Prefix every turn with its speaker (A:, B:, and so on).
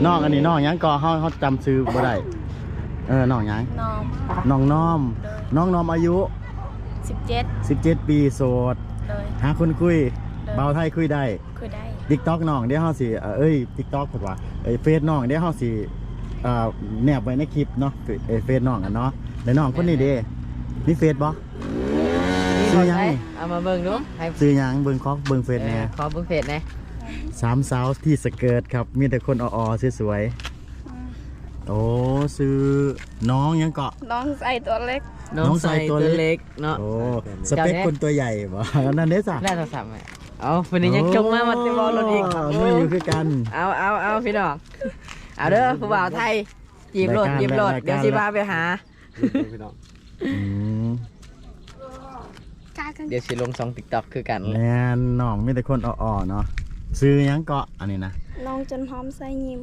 A: น้องอันนี้น้องยังก็เขาจำซื้อบ่ได้น้องยัง
B: น้อง
A: น้องน้อมน้องน้อมอายุ
B: 17
A: ปีโสด
B: เลย
A: หาคนคุย
B: เลย
A: เบาไทยคุยได้
B: คือได้
A: TikTok น้องเดี๋ยวเฮาสิTikTok พูดว่าเฟซน้องเดี๋ยวเฮาสิแนบไว้ในคลิปเนาะเฟซน้องกันเนาะแล้วน้องคนนี้เด้มีเฟซบ่ ซื้อยัง
C: เอามาเบิ่งดูให้
A: ซื้อหยังเบิ่งเบิ่งเฟซแหน่
C: ขอเบิ่งเฟซแหน่
A: สามสาวที่สเกิร์ตครับมีแต่คนอ่อๆสวยๆโอ้ซื้อน้องยังเกาะ
B: น้องใส่ตัวเล็ก
A: น้องใส่ตัวเล็ก
C: เนาะ
A: โอ้สเปคคนตัวใหญ่บ่นั่นเด้จ้ะ
C: ได้โทรศัพท์ไหมเอาวันนี้ยังจงมาติบอลรถอีก
A: นี่อยู่คือกัน
C: เอาพี่น้องเอาเด้อผู้บ่าวไทยจีบรถ
A: รายการ
C: จีบรถ
A: รายการ
C: เดี๋ยวสิพาไปหา
A: อืม
C: เดี๋ยวสิลงช่อง TikTok คือกัน
A: แม่นน้องมีแต่คนอ่อๆเนาะซื้อหยังเกาะอันนี้นะ
B: น้องจนหอมใส่ยิ้ม